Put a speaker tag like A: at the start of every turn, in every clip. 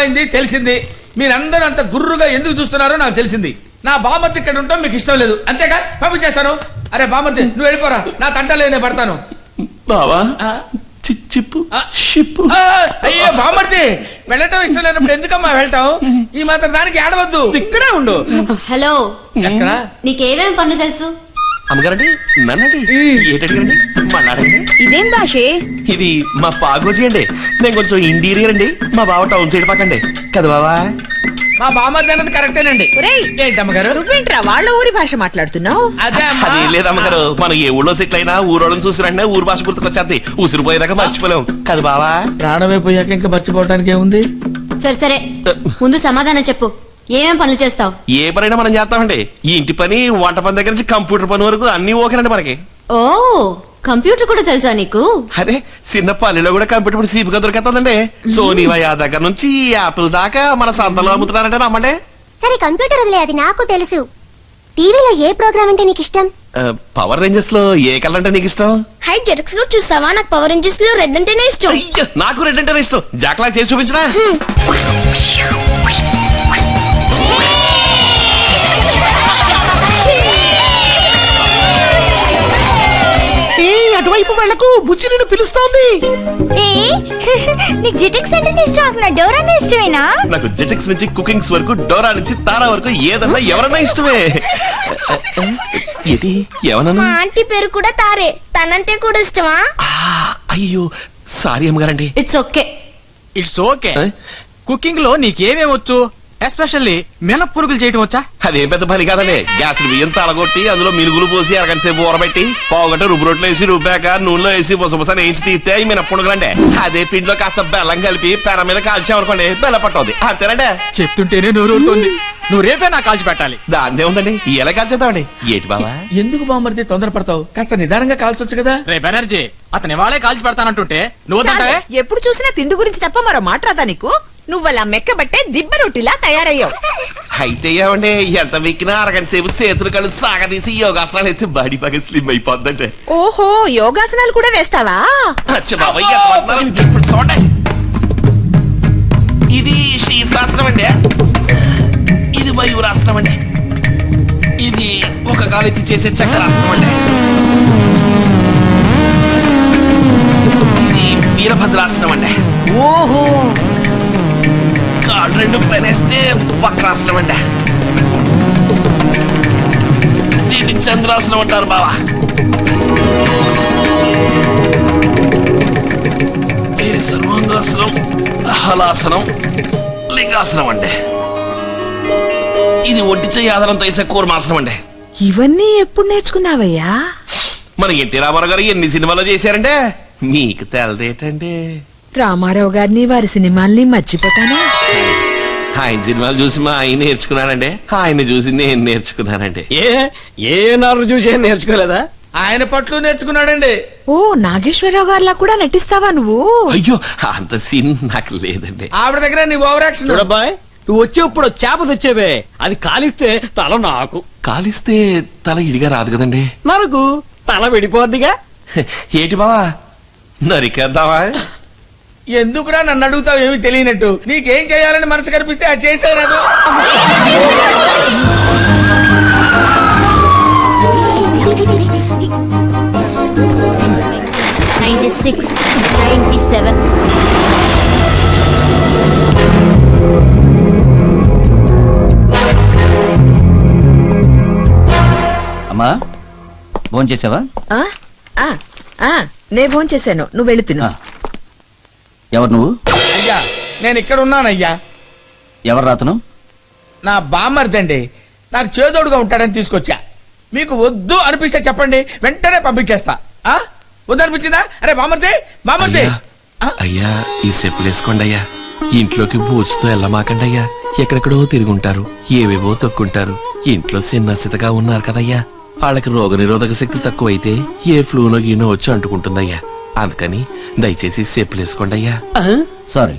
A: అర్థమైంది, తెలిసింది. మీరందరూ అంత గుర్రుగా ఎందుకు చూస్తున్నారో నాకు తెలిసింది. నా బామర్తి ఇక్కడ ఉంటాం మీకు ఇష్టం లేదు, అంతేగా? పంపించేస్తాను. అరే బామర్తి, నువ్వు వెళ్ళిపోరా, నా తంటలో నేను పడతాను.
B: బావా చిప్పు షిప్పు.
A: అయ్యో బామర్తి, వెళ్ళటం ఇష్టం లేనప్పుడు ఎందుకమ్మా వెళ్ళటం? ఈ మాత్రం దానికి ఆడవద్దు, ఇక్కడే ఉండు.
C: హలో,
A: ఎక్కడ?
C: నీకేమేం పనులు తెలుసు?
B: అమ్మగారండి, నన్నండి, ఏంటండి మన్నాడండి.
D: ఇదేం భాషే?
B: ఇది మా పాగోజీ అండి. నేను కొంచెం ఇంటీరియర్ అండి, మా బావ టౌన్ సైడ్ పక్కండి కదా బావా.
A: మా బామర్ది అన్నది కరెక్టేనండి. ఏంటమ్మగారు
D: నువ్వేంట్రా వాళ్ళ ఊరి భాష మాట్లాడుతున్నావు?
A: అదే
B: అది లేదమ్మగారు, మనం ఏ ఊళ్ళో సెటిల్ అయినా ఊరోళ్ళని చూసిరంటే ఊరు భాష గుర్తుకొచ్చేది. ఉసిరిపోయేదాకా మర్చిపోలేం కదా బావా.
A: ప్రాణమైపోయాక ఇంకా మర్చిపోవడానికి ఏముంది?
C: సరే సరే, ముందు సమాధానం చెప్పు. ఏమేం పనులు చేస్తావు?
B: ఏ పనైనా మనం చేస్తామండి. ఈ ఇంటి పని, వంట పని దగ్గర నుంచి కంప్యూటర్ పని వరకు అన్ని ఓకేనండి మనకి.
C: ఓ, కంప్యూటర్ కూడా తెలుసా నీకు?
B: అరే చిన్న పల్లెలో కూడా కంప్యూటర్ పని సీపుగా దొరికేస్తుందండి. సోనీ వయా దగ్గర నుంచి యాపిల్ దాకా మన సంతలో అమ్ముతున్నారంటే నమ్మండి.
E: సరే కంప్యూటర్ వదిలే, అది నాకు తెలుసు. టీవీలో ఏ ప్రోగ్రామ్ అంటే నీకు ఇష్టం?
B: పవర్ రేంజర్స్ లో ఏ కలర్ అంటే నీకు ఇష్టం?
E: హై జెటక్స్ లో చూసావా? నాకు పవర్ రేంజర్స్ లో రెడ్ అంటేనే ఇష్టం.
B: అయ్యో, నాకు రెడ్ అంటేనే ఇష్టం. జాక్లా చేసి చూపించరా? అటువైపు వాళ్లకు బుజ్జి నిన్ను పిలుస్తోంది.
E: నీకు జెటక్స్ అంటే ఇష్టం, అసలు డోరా ఇష్టమేనా?
B: నాకు జెటెక్స్ నుంచి కుకింగ్స్ వరకు, డోరా నుంచి తారా వరకు ఏదన్నా ఎవరన్నా ఇష్టమే. ఇది ఎవరన్నా?
E: మా ఆంటీ పేరు కూడా తారే, తనంటే కూడా ఇష్టమా?
B: అయ్యో సారీ అమ్మగారండి.
C: It's okay.
F: It's okay. Cooking లో నీకేమేమొచ్చు? ఎస్పెషల్లీ మినప్పురుగులు చేయటం వచ్చా?
B: అదేం పెద్ద పని కాదండి. గ్యాస్ బియ్యం తలగొట్టి అందులో మినుగులు పోసి అరగంట సేపు ఊరబెట్టి పావుగంట రుబ్బు రొట్టెలు వేసి రుబ్బాక నూనెలో వేసి బుసబుస వేయించి తీస్తే అవి మినప్పుడుగులండి. అదే పిండిలో కాస్త బెల్లం కలిపి పెర మీద కాల్చామనుకోండి, బెల్ల పట్టవుద్ది. అంతేనండి.
F: చెప్తుంటేనే నోరూరుతోంది. నువ్వు రేపే నాకు కాల్చి పెట్టాలి.
B: దాందే ఉందండి, ఎలా కాల్చేద్దామండి. ఏంటి బాబా?
A: ఎందుకు బామర్ది తొందరపడతావు? కాస్త నిదానంగా కాల్చొచ్చు కదా.
F: రేపు ఎనర్జీ అతని వాళ్ళే కాల్చి పెడతానంటుంటే నువ్వు
D: చాలే, ఎప్పుడు చూసినా తిండి గురించి తప్ప మరో మాట్లాడతా నీకు. నువ్వలా మెక్కబట్టే దిబ్బ రొట్టిలా తయారయ్యావు.
B: అయితే ఏమండి, ఎంత వెక్కినా అరగంట సేపు చేతులు కళ్ళు సాగదీసి యోగాసనాలు అయితే బాడీ బాగా స్లిమ్ అయిపోద్దంటే.
D: ఓహో, యోగాసనాలు కూడా వేస్తావా?
B: ఇది శీర్షాసనం అండి, ఇది మయూరాసనం అండి, ఇది ఒక కాలెత్తి చేసే చక్రాసనం అండి, ఇది వీరభద్రాసనం అండి.
F: ఓహో,
B: కాళ్ళు రెండు పనేస్తే వక్రాసనం అండి, దీన్ని చంద్రాసనం అంటారు బావా. ఇది సర్వాంగాసనం, హలాసనం, లింగాసనం అండి, ఇది ఒంటి చెయ్యి ఆధారంతో వేసే కూర్మాసనం అండి.
D: ఇవన్నీ ఎప్పుడు నేర్చుకున్నావయ్యా?
B: మన ఎన్టీ రామారావు గారు ఎన్ని సినిమాలో చేశారంటే మీకు తెలదేటండి.
D: రామారావు గారిని వారి సినిమాల్ని మర్చిపోతానా?
B: ఆయన సినిమాలు చూసి మా ఆయన నేర్చుకున్నానండి, ఆయన చూసి నేను నేర్చుకున్నానండి.
F: ఏ నారు చూసి నేర్చుకోలేదా?
A: ఆయన పట్లు నేర్చుకున్నాడండి.
D: ఓ, నాగేశ్వరరావు గారిలా కూడా నటిస్తావా నువ్వు?
B: అయ్యో అంత సీన్ నాకు లేదండి.
A: ఆవిడ దగ్గర నీ ఓవర్ యాక్షన్.
F: చూడబ్బాయ్, నువ్వు వచ్చేప్పుడు చేప తెచ్చేవే, అది కాలిస్తే తల నాకు,
B: కాలిస్తే తల ఇడిగా రాదు కదండి.
F: నరకు తల విడిపోద్దిగా.
B: ఏటి బావా, నరికేద్దామా?
A: ఎందుకురా నన్ను అడుగుతావు ఏమి తెలియనట్టు? నీకేం చేయాలని మనసు కనిపిస్తే అది చేసేరాదు.
G: అమ్మా, భోంచేసావా?
D: నే భోంచేశాను, నువ్వు వెళ్ళి తిను.
G: ఎవరు నువ్వు?
A: అయ్యా నేను ఇక్కడ ఉన్నానయ్యా.
G: ఎవరు రాతను?
A: నా బామ్మర్దండి, నాకు చేదోడుగా ఉంటాడని తీసుకొచ్చా. మీకు వద్దు అనిపిస్తే చెప్పండి, వెంటనే పంపించేస్తా. వద్దు అనిపించిందా? అరే బామ్మర్ది, బామ్మర్ది.
B: అయ్యా ఈ చెప్పులు వేసుకోండి అయ్యా. ఇంట్లోకి బూచుతో వెళ్ళమాకండి అయ్యా. ఎక్కడెక్కడో తిరుగుంటారు, ఏవేవో తొక్కుంటారు. ఇంట్లో సిన్నసితగా ఉన్నారు కదయ్యా, వాళ్ళకి రోగ నిరోధక శక్తి తక్కువైతే ఏ ఫ్లూనో గీనో వచ్చి అంటుకుంటుందయ్యా. అందుకని దయచేసి చెప్పులు వేసుకోండి అయ్యా.
G: సారీ,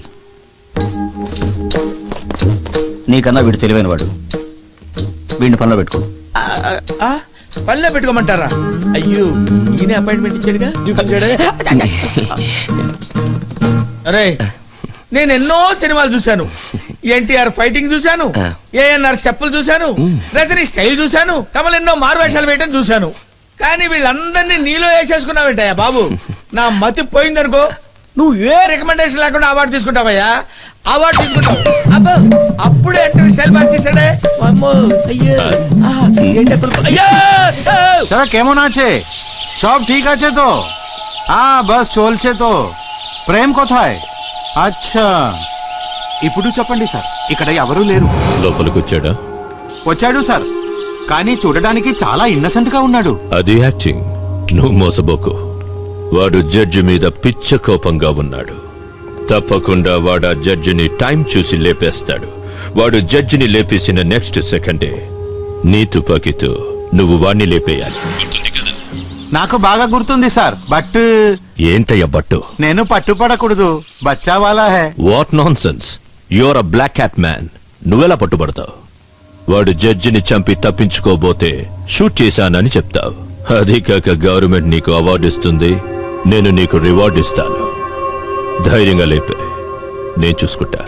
G: నీకన్నా వీడు తెలివైన వాడు. వీడిని పనిలో పెట్టుకో.
A: పనిలో పెట్టుకోమంటారా? అయ్యో, ఈయన అపాయింట్మెంట్ ఇచ్చాడుగా. అరే నేను ఎన్నో సినిమాలు చూశాను. ఎన్టీఆర్ ఫైటింగ్ చూశాను, ఏఎన్ఆర్ స్టెప్పులు చూశాను, రజనీ స్టైల్ చూశాను, కమల్ ఎన్నో మారువేషాలు వేయటం చూశాను. కానీ వీళ్ళందరినీ నీలో వేసేసుకున్నావేంటయ్యా బాబు? నా మతి పోయిందనుకో, నువ్వు ఏ రికమెండేషన్ లేకుండా అవార్డు తీసుకుంటావయ్యా. అవార్డు తీసుకుంటావు. అబ్బో, అప్పుడే అంటే స్టైల్ మార్చేసాడే. అమ్మో, అయ్యో, ఏంటి అప్పుడు? అయ్యో,
H: চলো কেমন আছে? সব ঠিক আছে তো? బస్ চলছে তো. ప్రేమ్ কোথায়? అచ్చా, ఇప్పుడు చెప్పండి సార్, ఇక్కడ ఎవరూ లేరు.
I: లోపలికి వచ్చాడా?
H: వచ్చాడు సార్, కానీ చూడడానికి చాలా ఇన్నసెంట్ గా ఉన్నాడు.
I: అది యాక్టింగ్. నువ్వు మోసబోకు. వాడు జడ్జి మీద పిచ్చ కోపంగా ఉన్నాడు. తప్పకుండా వాడు ఆ జడ్జిని టైం చూసి లేపేస్తాడు. వాడు జడ్జిని లేపేసిన నెక్స్ట్ సెకండే నీ తుపాకీతో నువ్వు వాణ్ణి లేపేయాలి.
H: నాకు బాగా గుర్తుంది సార్, బట్
I: ఏంటయ్య బట్టు?
H: నేను పట్టుపడకూడదు. బచ్చా వాలా హే.
I: What nonsense. Your uh black cat man. నువ్వెలా పట్టుబడతావు? వాడు జడ్జిని చంపి తప్పించుకోబోతే షూట్ చేశానని చెప్తావు. అదే కాక గవర్నమెంట్ నీకు అవార్డు ఇస్తుంది, నేను నీకు రివార్డు ఇస్తాను. ధైర్యంగా లేపే, నేను చూసుకుంటా.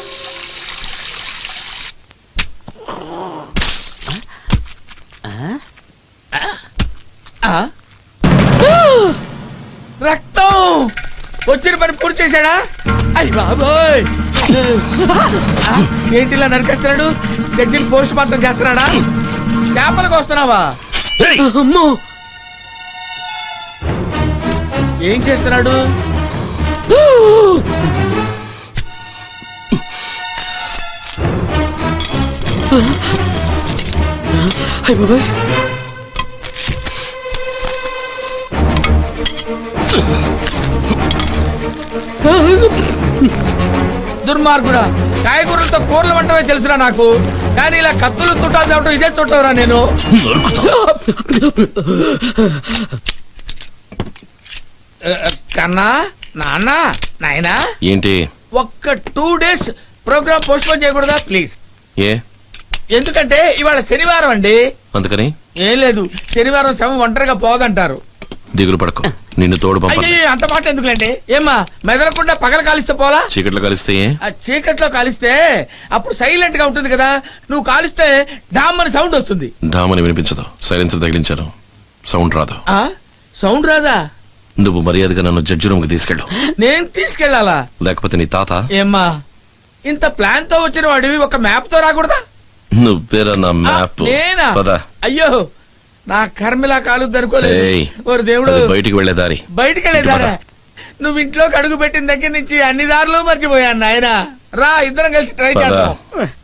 A: రక్తం వచ్చిన పని పూర్తి చేశాడా? అయ్య బాబోయ్, ఏంటి ఇలా నరికేస్తున్నాడు? జడ్జిని పోస్ట్ మార్టం చేస్తున్నాడా? చేపలకు వస్తున్నావా? అమ్మో, ఏం చేస్తున్నాడు? అయ్య బాబోయ్, దుర్మార్గుడా, కాయగూరలతో కూరలు వంటమే తెలుసురా నాకు, కానీ ఇలా కత్తులు తుట్టాలు తేవటం ఇదే చుట్టవరా నేను. కన్నా, నాన్న, నాయనా,
B: ఏంటి?
A: ఒక్క 2 days ప్రోగ్రామ్ పోస్ట్ పోన్ చేయకూడదా ప్లీజ్?
B: ఏ
A: ఎందుకంటే ఇవాళ శనివారం అండి.
B: అందుకని
A: ఏం లేదు, శనివారం శవం ఒంటరిగా పోదంటారు.
B: దిగులు పడకు, నిన్ను తోడు పంప.
A: అయ్యో, అంత మాట ఎందుకులేండి? ఏమ్మా, మెదలకుండా పగల కాలిస్తే పోలా?
B: చీకట్లో కలిస్తే ఏ?
A: ఆ చీకట్లో కాలిస్తే అప్పుడు సైలెంట్ గా ఉంటుంది కదా. నువ్వు కాలిస్తే డామ్ అని సౌండ్ వస్తుంది.
B: డామని వినిపించదు. సైలెన్సర్ తగిలించారు, సౌండ్ రాదు.
A: ఆ సౌండ్ రాదా?
B: నువ్వు మర్యాదగా నన్ను జడ్జి రూమ్ కి తీసుకెళ్ళు.
A: నేను తీసుకెళ్లాలా?
B: లేకపోతే నీ తాత.
A: ఏమ్మా, ఇంత ప్లాన్ తో వచ్చిన వాడివి ఒక మ్యాప్ తో రాకూడదా?
B: నువ్వేరా నా మ్యాప్?
A: నేనా?
B: పద.
A: అయ్యో, నా కర్మిలా కాలుద్ది అనుకోలేదు.
B: ఏయ్,
A: ఓరి దేవుడు,
B: అది బయటికి వెళ్లే దారి.
A: బయటికి వెళ్ళేదారా? నువ్వు ఇంట్లోకి అడుగు పెట్టిన దగ్గర నుంచి అన్ని దారులు మర్చిపోయాను నాయన. రా, ఇద్దరం కలిసి ట్రై
B: పద.
A: చేద్దాం.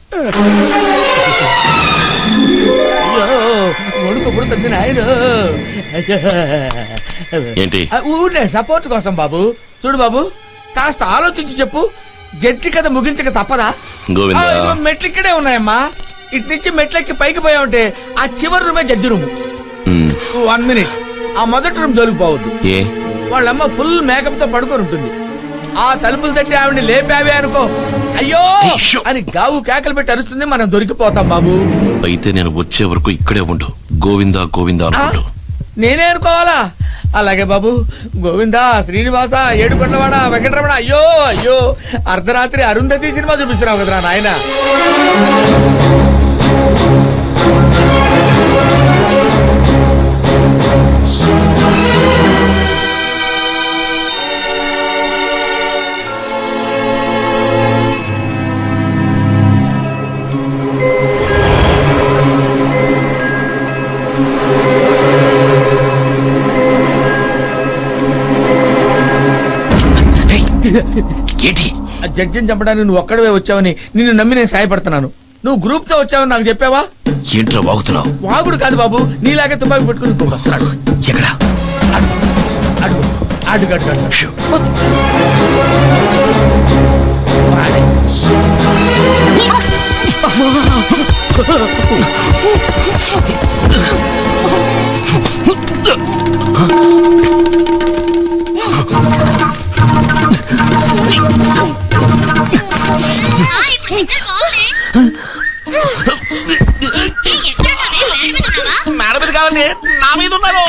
A: అయ్యో, వణుకు పుడుతుంది నాయన.
B: ఏంటి?
A: ఊరినే సపోర్ట్ కోసం బాబు. చూడు బాబు, కాస్త ఆలోచించి చెప్పు, జడ్జి కథ ముగించక తప్పదా?
B: గోవిందా.
A: ఇదిగో మెట్లు ఇక్కడే ఉన్నాయమ్మా. ఇటు నుంచి మెట్లెక్కి పైకి పోయావంటే ఆ చివరి రూమే జడ్జి రూము. 1 minute, ఆ మొదటి రూమ్ దొరికిపోవద్దు.
B: ఏ?
A: వాళ్ళమ్మ ఫుల్ మేకప్ తో పడుకొని ఉంటుంది. ఆ తలుపులు తట్టి ఆవిడ లేపావే అనుకో, అయ్యో అని గావు కేకలు పెట్టి అరుస్తుంది. మనం దొరికిపోతాం బాబు.
B: అయితే నేను వచ్చే వరకు ఇక్కడే ఉండు. గోవిందా గోవిందా అనుకుంటూ.
A: నేనే అనుకోవాలా? అలాగే బాబు. గోవిందా, శ్రీనివాస, ఏడుకొండవాడ, వెంకటరమణ. అయ్యో అయ్యో, అర్ధరాత్రి అరుంధతి సినిమా చూపిస్తున్నావు కదరా నాయన.
B: ఏంటి?
A: ఆ జడ్జిని చంపడానికి నువ్వు ఒక్కడవే వచ్చావని నిన్ను నమ్మి నేను సాయపడుతున్నాను. నువ్వు గ్రూప్ తో వచ్చావని నాకు చెప్పావా?
B: ఏంట్రా వాగుతున్నావు?
A: వాగుడు కాదు బాబు, నీలాగే తుపాకి పెట్టుకుని ఇంకొకడు వస్తున్నాడు.
B: ఎక్కడా?
A: అడుగు అడుగు అడుగు.
B: షూ.
A: వాడే.
B: మేడం మీద కావాలి, నా మీద ఉన్నారు.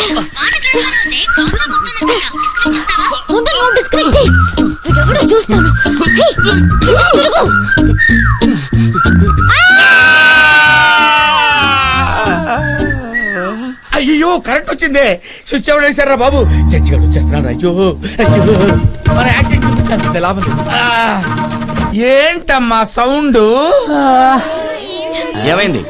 E: ముందు నువ్వు డిస్కనెక్ట్ చేయి. వీడెవడో చూస్తాను.
A: అయ్యో కరెంట్ వచ్చిందే స్విచ్ ఎవరు వేశారా బాబు జడ్జి గారు వచ్చేస్తున్నాడు అయ్యో అయ్యో మన యాక్టింగ్ చూపించాల్సిందే లాభం లేదు. ఏంటమ్మా సౌండ్
G: ఏమైంది?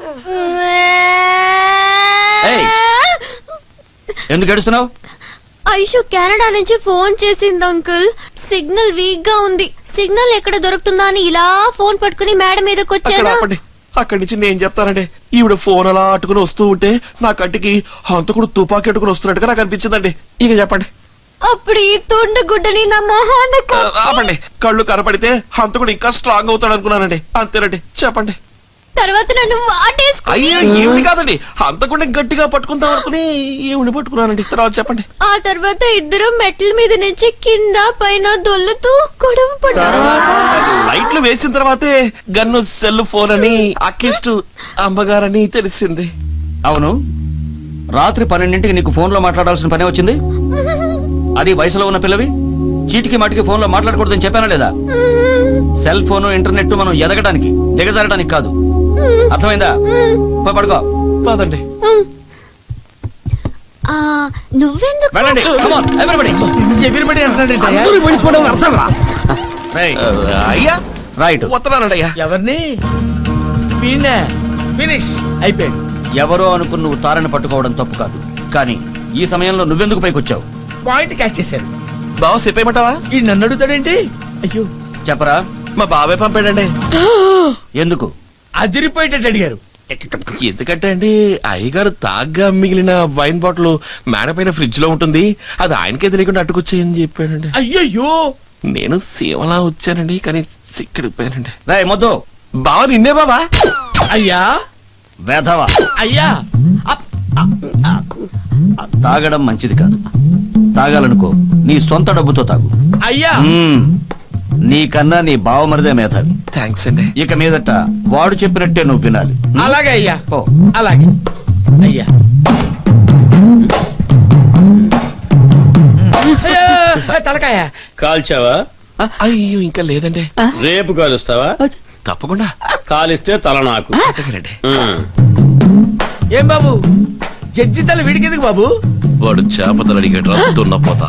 G: ఏయ్, ఎందుకు ఏడుస్తున్నావు?
C: ఐషు కెనడా నుంచి ఫోన్ చేసింది అంకుల్. సిగ్నల్ వీక్ గా ఉంది. సిగ్నల్ ఎక్కడ దొరుకుతుందా అని ఇలా ఫోన్ పట్టుకుని మేడం మీదకి
B: అక్కడ
C: వచ్చాను.
B: ఆపండి. అక్కడి నుంచి నేను చెప్తానండి. ఈవిడ ఫోన్ అలా అట్టుకుని వస్తూ ఉంటే నా కంటికి హంతకుడు తుపాకీ అట్టుకుని వస్తున్నట్టుగా నాకు అనిపించిందండి. ఇక చెప్పండి.
C: అప్పుడు ఈ తుండు గుడ్డని నా మొహాన
B: ఆపండి. కళ్ళు కనపడితే హంతకుడు ఇంకా స్ట్రాంగ్ అవుతాడు అనుకున్నానండి. అంతేనండి. చెప్పండి.
C: తర్వాత నన్ను వాటేసుకుని
B: అయ్యో ఏమిటి కాదండి, హంతకుడిని గట్టిగా పట్టుకుందాం అనుకుని ఏమిటి పట్టుకున్నానండి. తర్వాత చెప్పండి.
C: ఆ తర్వాత ఇద్దరు మెట్ల మీద నుంచి కింద పైన దొల్లుతూ గొడవ పడ్డారు.
B: లైట్లు వేసిన తర్వాతే గన్ను సెల్ ఫోన్ అని అక్కిష్టు అమ్మగారని తెలిసింది.
G: అవును, రాత్రి 12ంటికి నీకు ఫోన్లో మాట్లాడాల్సిన పనే వచ్చింది. అది వయసులో ఉన్న పిల్లవి చీటికి మాటికి ఫోన్లో మాట్లాడకూడదని చెప్పానా లేదా? సెల్ ఫోను ఇంటర్నెట్ మనం ఎదగడానికి దిగజారడానికి కాదు. అర్థమైందా? పోయి పడుకో.
B: పదండి.
C: ఆ, నువ్వెందుకు
G: వెళ్ళండి. Come on, everybody.
A: ఎగిరిపడి
G: రేయ్,
B: అయ్యా
G: రైట్.
B: వస్తున్నానండి అయ్యా.
A: ఎవరిని వీణ్ణే ఫినిష్ అయిపోయాడు.
G: ఎవరో అనుకుని నువ్వు తారని పట్టుకోవడం తప్పు కాదు, కానీ ఈ సమయంలో నువ్వెందుకు పైకొచ్చావు?
A: పాయింట్ క్యాచ్ చేశారు.
B: బావ చెప్పేయమంటావా?
A: ఈ నన్ను అడుగుతాడేంటి? అయ్యో
G: చెప్పరా.
B: మా బాబాయ్ పంపాడండి.
G: ఎందుకు?
A: అదిరిపోయేటట్టు అడిగారు.
B: ఎందుకంటే అండి అయ్యగారు తాగ్గా మిగిలిన వైన్ బాటిల్ మేడ పైన ఫ్రిడ్జ్ లో ఉంటుంది, అది ఆయనకే తెలియకుండా అట్టుకొచ్చేయని చెప్పాడండి.
A: అయ్యయ్యో
B: నేను సేవలా వచ్చానండి, కానీ సిక్కడిపోయానండి.
G: రేయ్ మొద్దు,
B: బావ నిన్నే బాబా.
A: అయ్యా
G: వేధవా.
A: అయ్యా
G: తాగడం మంచిది కాదు. తాగాలనుకో నీ సొంత డబ్బుతో తాగు.
A: అయ్యా
G: నీకన్నా నీ బావమరిదే మేధావి.
B: థ్యాంక్స్ అండి.
G: ఇక మీదట వాడు చెప్పినట్టే నువ్వు వినాలి.
A: అలాగే అయ్యా.
G: ఓ,
A: అలాగే అయ్యా. అయ్యో, తలకాయ
J: కాల్చావా?
B: అయ్యో ఇంకా లేదండి.
J: రేపు కాలుస్తావా?
B: తప్పకుండా.
J: కాలిస్తే తల నాకు.
B: అంతేనండి.
A: ఏం బాబు జడ్జి తల వీడికెందుకు బాబు?
B: వాడు చేపతలు అడిగేట దున్నపోతా.